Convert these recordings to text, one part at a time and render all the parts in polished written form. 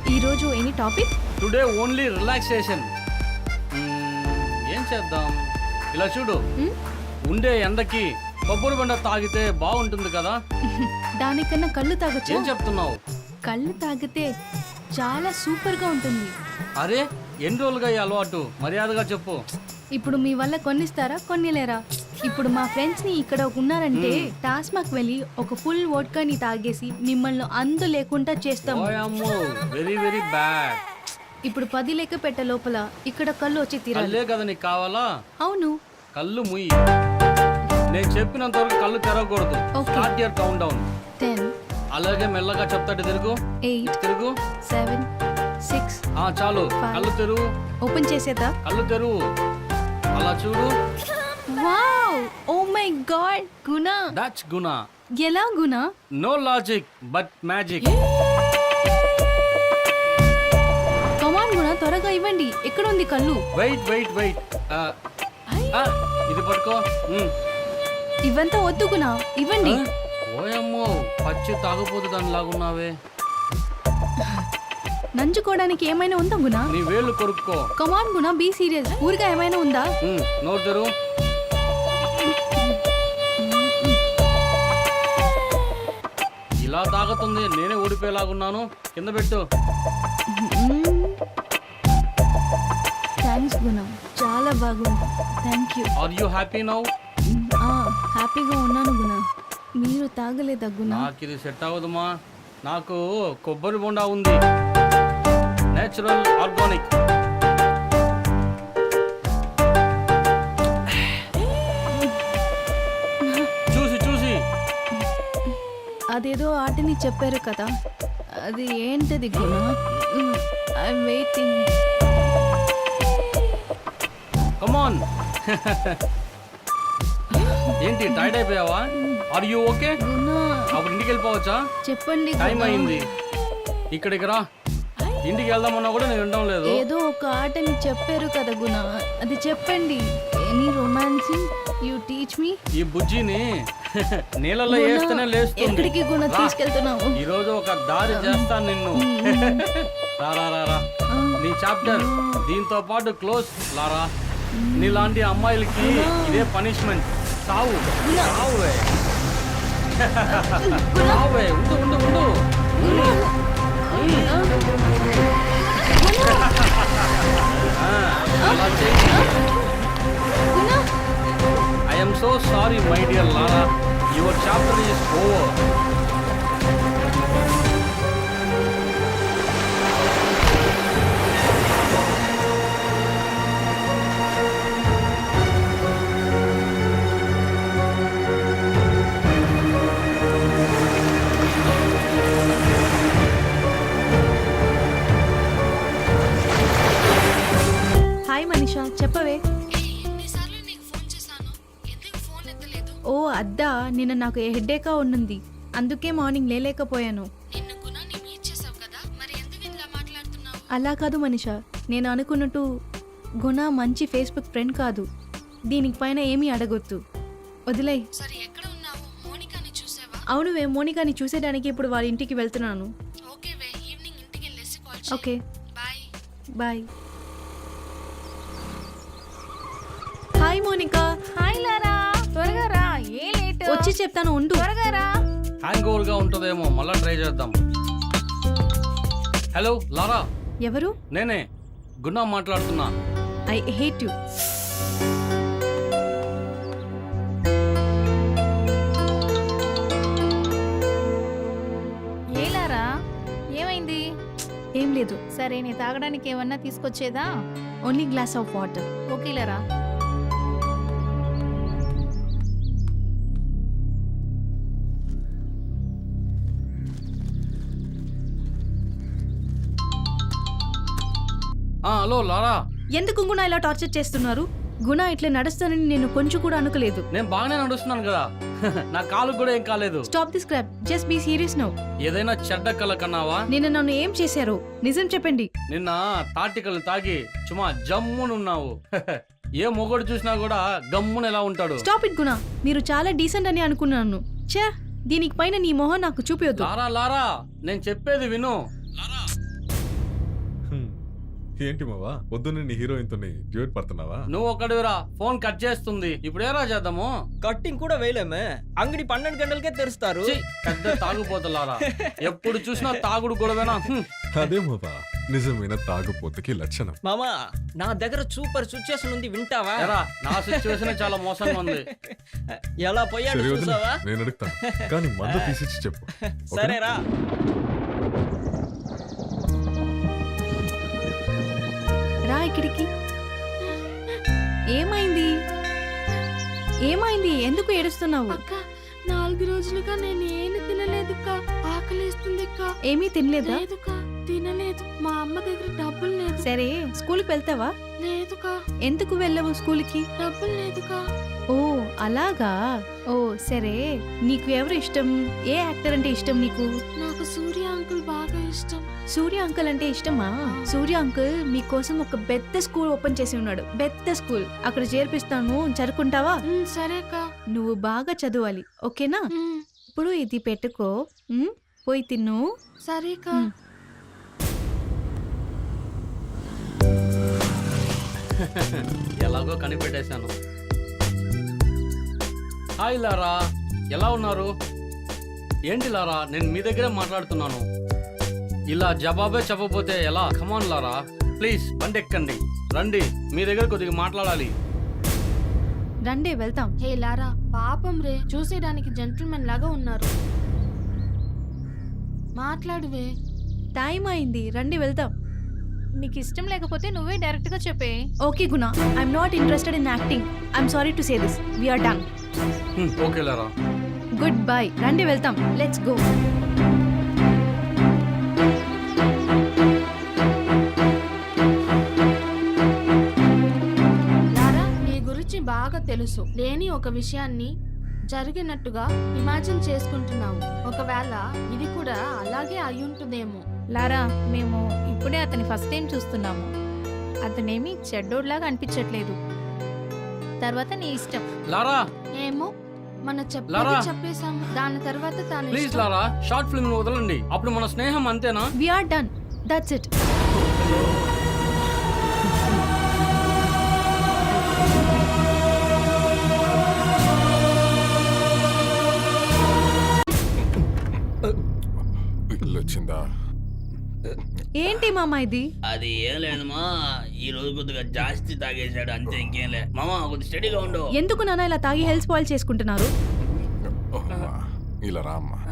ఈరోజు any topic? Today only relaxation. ఏం చేద్దాం? ఇలా చూడు, ఉండే ఎండకి కొబ్బరి బండ తాగితే బాగుంటుంది కదా. దానికన్నా కళ్ళు తాగొచ్చు. ఏం చెప్తున్నావు? కళ్ళు తాగితే చాలా సూపర్ గా ఉంటుంది. అరే ఎన్ని రోజులుగా ఈ అలవాటు? మర్యాదగా చెప్పు. ఇప్పుడు మీ వల్ల కొన్నిస్తారా, కొన్నిలేరా? ఇప్పుడు మా ఫ్రెండ్స్ ని ఇక్కడ ఉన్నారంటే టాస్మాక్ వెళ్ళి ఒక ఫుల్ వోడ్కాని తాగేసి మిమ్మల్ని అందు లేకుండా చేస్తాము. Very very bad. ఇప్పుడు 10 లెక్క పెట్ట లోపల ఇక్కడ కళ్ళు వచ్చి తీరాలి. కళ్ళే కదా నీకు కావాలా? అవును. కళ్ళు ముయ్యి. నేను చెప్పినంత వరకు కళ్ళు తెరవకూడదు. Start your countdown. 10. అలాగే మెల్లగా చెప్తాడు. తిరుగు. 8. తిరుగు. 7. 6. చాలు. కళ్ళు తెరువు. ఓపెన్ చేసేదా? కళ్ళు తెరువు. అలా చూడు. Wow! Oh my God! Guna. That's Guna. ఎలా Guna? No logic but magic. Come on Guna, త్వరగా ఇవ్వండి. ఎక్కడ ఉంది కళ్ళు? Wait wait wait. ఇది పట్టుకో. ఇవంతా వద్దు గుణ, ఇవ్వండి. ఓయమ్మో, పచ్చి తాగపోతు దాని లాగున్నావే. నంచుకోవడానికి ఏమైనా ఉందా గుణ? నీ వేళ్ళు కొరుక్కో. కమాన్ గుణ, బీ సీరియస్. ఊరిగా ఏమైనా ఉందా? నోరు తెరు. ఇలా తాగుతుంది, నేనే ఓడిపోయేలాగున్నాను. కింద పెట్టు. థ్యాంక్స్ గుణ, చాలా బాగుంది. Thank you. Are you happy now? హ్యాపీగా ఉన్నాను గుణ. మీరు తాగలేదా గుణ? నాకు ఇది సెట్ అవ్వదుమా. నాకు కొబ్బరి బొండా ఉంది, నేచురల్ ఆర్గానిక్. చూసి చూసి. అదేదో ఆటని చెప్పారు కదా, అది ఏంటది గుణ? I'm waiting. కమాన్. ఏంటి టైర్డ్ అయిపోయావా? Are you okay? అప్పుడు ఇంటికి వెళ్ళిపోవచ్చా? చెప్పండి. టైం అయింది. ఇక్కడికి రా. ఇంటికి వెళ్దామన్నా కూడా నేను వినడం లేదు. ఏదో ఒక ఆటని చెప్పారు కదా గుణ, అది చెప్పండి. Any romancing you teach me. ఈ బుజ్జిని నీళ్ళలో వేస్తేనే లేస్తుంది. ఎక్కడికి గుణ తీసుకెళ్తున్నావు? ఈ రోజు ఒక దారి చేస్తాను నిన్ను. రారా రారా. నీ చాప్టర్ దీంతో పాటు క్లోజ్. లారా, నీలాంటి అమ్మాయిలకి ఇదే పనిష్మెంట్. సావు సావువే. సావువే. ఉండు ఉండు ఉండు. అలా చేయి. I am so sorry my dear Lara. Your chapter is over. Hi Manisha, చెప్పవే. ఓ అద్దా, నిన్న నాకు హెడ్ఏకా ఉన్నది, అందుకే మార్నింగ్ లేలేకపోయాను. అలా కాదు మనీషా, నేను అనుకున్నట్టు గుణ మంచి ఫేస్బుక్ ఫ్రెండ్ కాదు. దీనికి పైన ఏమీ అడగొద్దు, వదిలే. అవునువే, మోనికాని చూసేయడానికి ఇప్పుడు వాళ్ళ ఇంటికి వెళ్తున్నాను. Okay bye. Hi Monica. Hi Laura, త్వరగా రా. ఏ లేట్? వచ్చి చెప్తాను, ఉండు. త్వరగా రా. హ్యాంగ్ ఓవర్ గా ఉంటుందేమో, మళ్ళా ట్రై చేద్దాం. Hello Laura. ఎవరు? నేనే గున్నా మాట్లాడుతున్నా. I hate you. ఏ లారా, ఏమైంది? ఏం లేదు. సరే, నీ తాగడానికి ఏమన్నా తీసుకొచ్చేదా? Only glass of water. Okay Laura. Hello Laura. ఎందుకు గుణ ఇలా టార్చర్ చేస్తున్నారు? గుణ ఇట్లా నడుస్తానని నేను కొంచెం కూడా అనుకోలేదు. నేను బాగానే నడుస్తున్నాను కదా. నా కాలు కూడా ఏం కాలేదు. Stop this crap, just be serious now. ఏదైనా చెడ్డ కల కన్నావా? నిన్న నన్ను ఏం చేశారు? నిజం చెప్పండి. నిన్న తాటికలు తాగి చుమా జమ్మునున్నావు. ఏ మొగడు చూసినా కూడా గమ్మున ఎలా ఉంటాడు? స్టాప్ ఇట్ గుణ, మీరు చాలా డీసెంట్ అని అనుకున్నాను. ఛే, దీనికి పైన నీ మొహం నాకు చూపించొద్దు. లారా లారా, నేను చెప్పేది విను. లారా ఏంటి మావా పొద్దున్న నీ హీరోయిన్ తో డ్యూట్ పడుతున్నావా? నువ్వు ఒకటివిరా, ఫోన్ కట్ చేస్తుంది. ఇప్పుడు ఏరా చేద్దాము? కట్టింగ్ కూడా వేయలేమే, అంగడి 12 గంటలకే తెరుస్తారు. ఛీ, పెద్ద తాగుపోతులారా, ఎప్పుడు చూసినా తాగుడు గొడవేనా? అదే మావా నిజమైన తాగుపోతుకి లక్షణం. మామా నా దగ్గర సూపర్ సిచ్యుయేషన్ ఉంది, వింటావా? ఎరా, నా సిచ్యువేషన్ చాలా మోసంగా ఉంది. ఎలా పోయాడు సరే వదిలే, చూసావా? నేను అడుగుతాను కానీ మందు తీసిచ్చి చెప్పు. ఓకేనా? సరేరా. రా ఇక్కడికి. ఏమైంది? ఏమైంది? ఎందుకు ఏడుస్తున్నావు? అక్క 4 రోజులుగా నేను ఏమి తినలేదుక్క. ఆకలిస్తుందిక్క. ఏమీ తినలేదా? లేదుక్క, తినలేదు. మా అమ్మ దగ్గర డబ్బులు లేదు. సరే, స్కూల్కి వెళ్తావా? లేదుక, ఎందుకు వెళ్ళవు స్కూల్కి? డబ్బులు లేదుక. ఓ అలాగా. ఓ సరే, నీకు ఎవరు ఇష్టం? ఏ యాక్టర్ అంటే ఇష్టం నీకు? నాకు సూర్య అంకుల్ బాగా ఇష్టం. సూర్య అంకుల్ అంటే ఇష్టమా? సూర్య అంకుల్ మీకోసం ఒక పెద్ద స్కూల్ ఓపెన్ చేసి ఉన్నాడు. పెద్ద స్కూల్, అక్కడ చేర్పిస్తాను, చదువుకుంటావా? సరే అక్క. నువ్వు బాగా చదవాలి, ఓకేనా? ఇప్పుడు ఇది పెట్టుకో, పోయి తిన్ను. సరే అక్క. ఎలాగో కనిపెట్టేశాను. హాయ్ లారా, ఎలా ఉన్నారు? ఏంటి లారా, నేను మీ దగ్గరే మాట్లాడుతున్నాను. ఇలా జవాబే చెప్పకపోతే ఎలా? కమాన్ లారా, ప్లీజ్ బండి ఎక్కండి, రండి, మీ దగ్గర కొద్దిగా మాట్లాడాలి. రండి వెళ్తాం. హే లారా, పాపం రే, చూసేయడానికి జెంటిల్మెన్ లాగా ఉన్నారు. మాట్లాడువే. టైం అయింది, రండి వెళ్తాం. నీకు ఇష్టం లేకపోతే నువ్వే డైరెక్ట్ గా చెప్పే. Okay Guna, I'm not interested in acting. I'm sorry to say this. We're done. Okay Laura, goodbye. రండి వెళ్తాం, లెట్స్ గో. లారా, నీ గురించి బాగా తెలుసు. లేని ఒక విషయాన్ని జరిగినట్టుగా ఇమాజిన్ చేసుకుంటున్నావు. ఒకవేళ ఇది కూడా అలాగే అయ్యుంటుందేమో. లారా, మేము ఇప్పుడే అతని ఫస్ట్ టైం చూస్తున్నాము. అతనేమి చెడ్డోడ్లాగా అనిపించట్లేదు. తర్వాత నీ ఇష్టం. లారా ఏమో, మన లారా. చెప్పేశాము. దాని తర్వాత తాను ప్లీజ్ లారా, షార్ట్ ఫిల్మ్ వదలండి. అప్పుడు మన స్నేహం అంతేనా? We're done, that's it. ఇల్లు వచ్చిందా? ఏంటి మామ ఇది? అది ఏం లేదమ్మా, ఈ రోజు కొద్దిగా జాస్తి తాగేశాడు అంతే, ఇంకేం లే. మామా కొద్ది స్టడీగా ఉండు. ఎందుకు నాన్న ఇలా తాగి హెల్త్ స్పాయిల్ చేసుకుంటున్నారు? అమ్మా, ఇలా రా అమ్మా.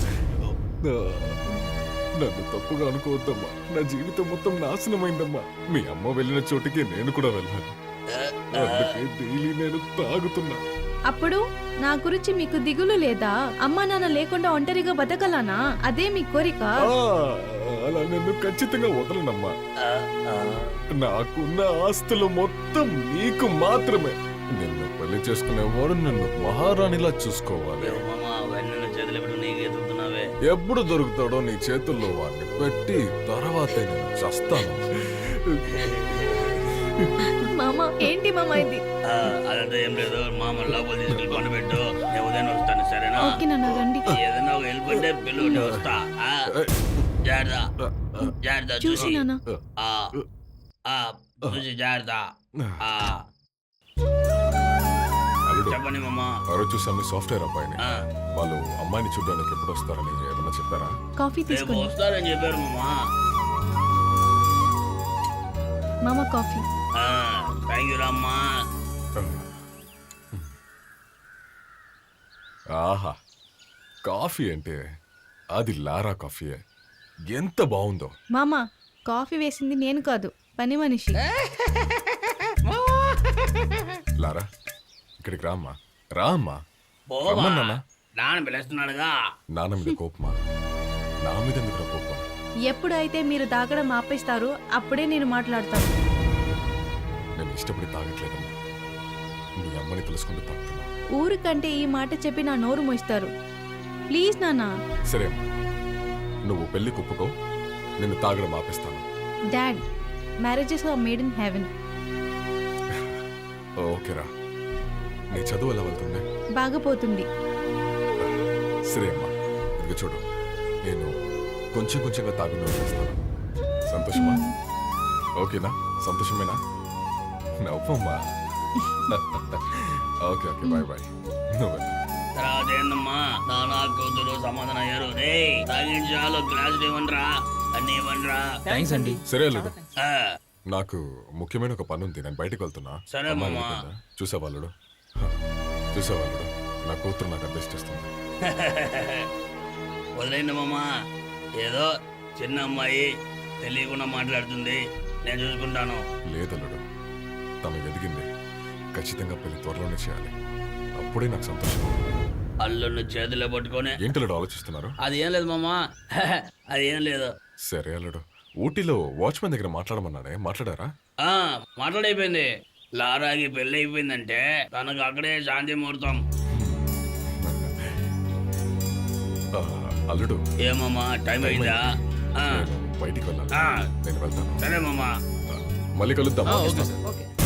నన్ను తప్పుగా అనుకోవద్దమ్మా, నా జీవితం మొత్తం నాశనమైందమ్మా. మీ అమ్మ వెళ్ళిన చోటికి నేను కూడా వెళ్ళాను, అందుకే డైలీ నేను తాగుతున్నా. అప్పుడు నా గురించి మీకు దిగులు లేదా? అమ్మా నాన్న లేకుండా ఒంటరిగా బతకలానా? అదే మీ కోరిక? అలా నన్ను ఖచ్చితంగా వదలనమ్మా. నాకున్న ఆస్తులు మొత్తం నీకు మాత్రమే. నిన్ను పెళ్లి చేసుకునేవాడు నన్ను మహారాణిలా చూసుకోవాలి. మామా వెన్న చేతులు పెట్టి నీకు ఎదుగుతున్నావే. ఎప్పుడు దొరుకుతాడో నీ చేతుల్లో వాడిని పెట్టి తర్వాతే నేను చస్తాను. మామ ఏంటి మామ ఇది? అదంతా ఏం లేదు, మామ లోపల తీసుకెళ్ళి పండు పెట్టు, నేను ఉదయం వస్తాను, సరేనా? ఓకే నాన్న, రండి. ఏదైనా ఒక హెల్ప్ అంటే పిల్లలు నేను వస్తా. జాగ్రత్త జాగ్రత్త, చూసి చూసి నాన్న. చూసి జాగ్రత్త. అల్లుడు, చెప్పండి మామా. ఆ రోజు చూసాము సాఫ్ట్వేర్ అబ్బాయిని. వాళ్ళు అమ్మాయిని చూడడానికి ఎప్పుడు వస్తారని ఏమన్నా చెప్పారా? కాఫీ రేపు తీసుకోండి. వస్తారని చెప్పారు మామా. మామ కాఫీ. థ్యాంక్ యూ రామ్మా. ఆహా, కాఫీ అంటే అది లారా కాఫీయే. ఎంత బాగుందో. మామ కాఫీ వేసింది నేను కాదు, పని మనిషి. లారా, ఇక్కడికి రామ్మా, రామ్మా. పోవా. రమ్మన్నానా? నాన్న పిలుస్తున్నాడుగా. నాన్న మీద కోపమా? నా మీద ఎందుకు కోపం? ఎప్పుడైతే మీరు తాగడం ఆపేస్తారో అప్పుడే నేను మాట్లాడతాను. నేను ఇష్టపడి తాగట్లేదమ్మా, నీ అమ్మని తెలుసుకుంటూ తాగుతున్నా. ఊరికంటే ఈ మాట చెప్పి నా నోరు మోయిస్తారు. ప్లీజ్ నాన్న. సరే అమ్మా, నువ్వు పెళ్లి కుప్పుకో, నిన్ను తాగడం ఆపేస్తాను. Dad, marriages are made in heaven. ఓకేరా, నీ చదువు ఎలా వెళ్తుంది? బాగా పోతుంది. సరే అమ్మా, ఇదిగో చూడు, నేను కొంచెం కొంచెంగా తాగుతూ చేస్తాను. సంతోషమా? ఓకేనా? సంతోషమేనా? నవ్వమ్మా. Okay okay bye bye. నువ్వు వెళ్ళు. తర్వాత ఏందమ్మా నానా కూతురు సమాధానం అయ్యారు. రే తాగించాలు గ్లాసులు ఇవ్వండిరా, అన్ని ఇవ్వండిరా. థ్యాంక్స్ అండి. సరే అల్లుడు, ఆ, నాకు ముఖ్యమైన ఒక పని ఉంది, నేను బయటకు వెళ్తున్నా. సరే అమ్మ మామ. వెళ్ళిపోయిందా? చూసావాళ్ళుడు చూసావాళ్ళుడు నా కూతురు నాకు అడ్జస్ట్ చేస్తుంది. వదిలేండి మామ, ఏదో చిన్న అమ్మాయి తెలియకుండా మాట్లాడుతుంది, నేను చూసుకుంటాను. లేదల్లుడు, తను ఎదిగింది, ఖచ్చితంగా పెళ్లి త్వరలోనే చేయాలి, అప్పుడే నాకు సంతోషం. అల్లుడిని చేతిలో పట్టుకొని ఏంటల్లుడు ఆలోచిస్తున్నారు? అది ఏం లేదు మామ, అది ఏం లేదు. సరే అల్లుడు, ఊటీలో వాచ్మెన్ దగ్గర మాట్లాడమన్నానే, మాట్లాడారా? ఆ మాట్లాడైపోయింది. లారాకి పెళ్లి అయిపోయిందంటే తనకు అక్కడే శాంతి ముహూర్తం. ఆ, అల్లుడు, ఏమమ్మా టైం అయిందా? ఆ, నేను బయటికి వెళ్ళాలి, ఆ, నేను వెళ్తాను. సరే మామ. మళ్ళీ కలుద్దాం. Okay sir. ఓకే.